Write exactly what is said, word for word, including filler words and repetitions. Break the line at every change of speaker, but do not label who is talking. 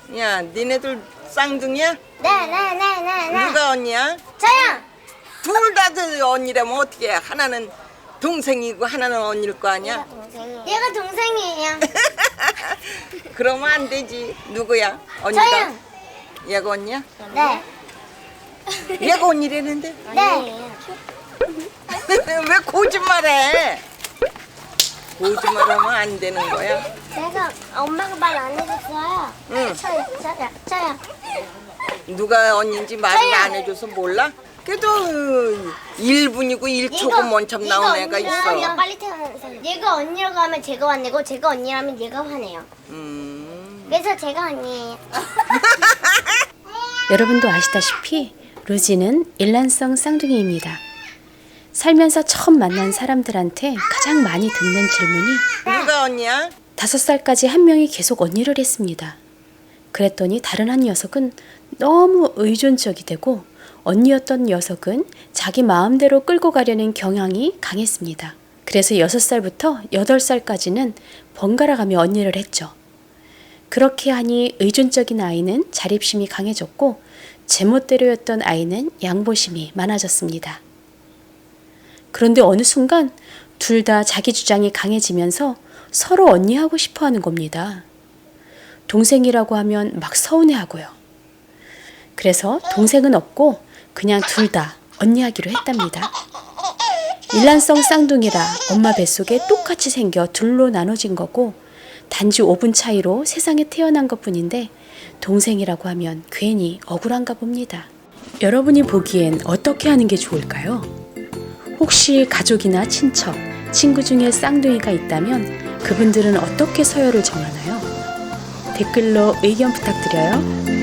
야, 니네들 쌍둥이야?
네네네네네.
누가 언니야?
저요.
둘 다 언니라면 어떻게 해? 하나는 동생이고 하나는 언니일 거 아니야?
얘가 동생이에요.
그러면 안 되지. 누구야? 언니가?
저요.
얘가 언니야?
네.
얘가 언니라는데?
네.
왜 거짓말해? 거짓말하면 안 되는 거야.
내가 엄마가 말 안 해줬어요.
응.
저요. 저요. 저요.
누가 언니인지 말을
저요.
안 해줘서 몰라? 그래도 일 분이고 일 초고 먼참 나온 애가 있어.
얘가 빨리 태어난 사람. 얘가 언니라고 하면 제가 화내고 제가 언니라면 얘가 화내요.
음.
그래서 제가 언니예요.
여러분도 아시다시피 루지는 일란성 쌍둥이입니다. 살면서 처음 만난 사람들한테 가장 많이 듣는 질문이
누가 언니야?
다섯 살까지 한 명이 계속 언니를 했습니다. 그랬더니 다른 한 녀석은 너무 의존적이 되고 언니였던 녀석은 자기 마음대로 끌고 가려는 경향이 강했습니다. 그래서 여섯 살부터 여덟 살까지는 번갈아 가며 언니를 했죠. 그렇게 하니 의존적인 아이는 자립심이 강해졌고 제멋대로였던 아이는 양보심이 많아졌습니다. 그런데 어느 순간 둘 다 자기 주장이 강해지면서 서로 언니하고 싶어하는 겁니다. 동생이라고 하면 막 서운해하고요. 그래서 동생은 없고 그냥 둘 다 언니하기로 했답니다. 일란성 쌍둥이라 엄마 뱃속에 똑같이 생겨 둘로 나눠진 거고 단지 오 분 차이로 세상에 태어난 것뿐인데 동생이라고 하면 괜히 억울한가 봅니다. 여러분이 보기엔 어떻게 하는 게 좋을까요? 혹시 가족이나 친척, 친구 중에 쌍둥이가 있다면 그분들은 어떻게 서열을 정하나요? 댓글로 의견 부탁드려요.